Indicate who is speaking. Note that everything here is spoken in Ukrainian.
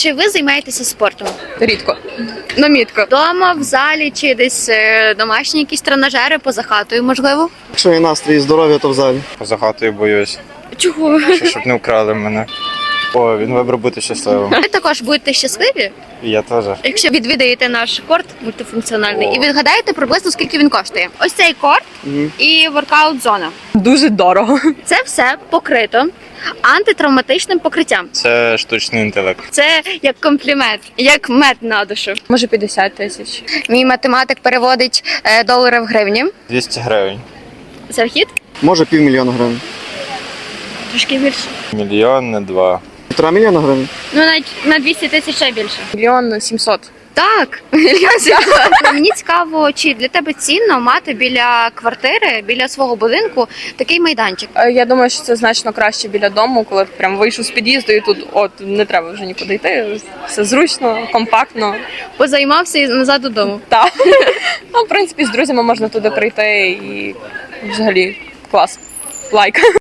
Speaker 1: Чи ви займаєтеся спортом?
Speaker 2: Рідко.
Speaker 1: Намітко. Дома, в залі чи десь домашні якісь тренажери поза хатою, можливо?
Speaker 3: Якщо є настрій і здоров'я, то в залі.
Speaker 4: Поза хатою боюсь,
Speaker 1: Чого?
Speaker 4: щоб не вкрали мене. О, він вибрав бути щасливим.
Speaker 1: Ви також будете щасливі,
Speaker 4: І я теж.
Speaker 1: якщо відвідаєте наш корт мультифункціональний
Speaker 4: О.
Speaker 1: і відгадаєте приблизно скільки він коштує. Ось цей корт і воркаут-зона.
Speaker 2: Дуже дорого.
Speaker 1: Це все покрито антитравматичним покриттям.
Speaker 4: Це штучний інтелект.
Speaker 1: Це як комплімент, як мед на душу.
Speaker 2: Може 50 тисяч.
Speaker 1: Мій математик переводить долари в гривні.
Speaker 4: 200 гривень.
Speaker 1: Це вхід?
Speaker 3: Може 500 000 гривень.
Speaker 1: Трошки більше.
Speaker 4: Мільйон, не 2.
Speaker 3: 1,5 мільйона гривень.
Speaker 1: Ну, навіть на 200 тисяч ще більше.
Speaker 2: 1 700 000.
Speaker 1: Так, мені цікаво, чи для тебе цінно мати біля квартири, біля свого будинку такий майданчик.
Speaker 2: Я думаю, що це значно краще біля дому, коли прям вийшов з під'їзду і тут не треба вже нікуди йти. Все зручно, компактно.
Speaker 1: Позаймався і назад додому.
Speaker 2: Так. Ну, в принципі, з друзями можна туди прийти і взагалі клас. Лайк.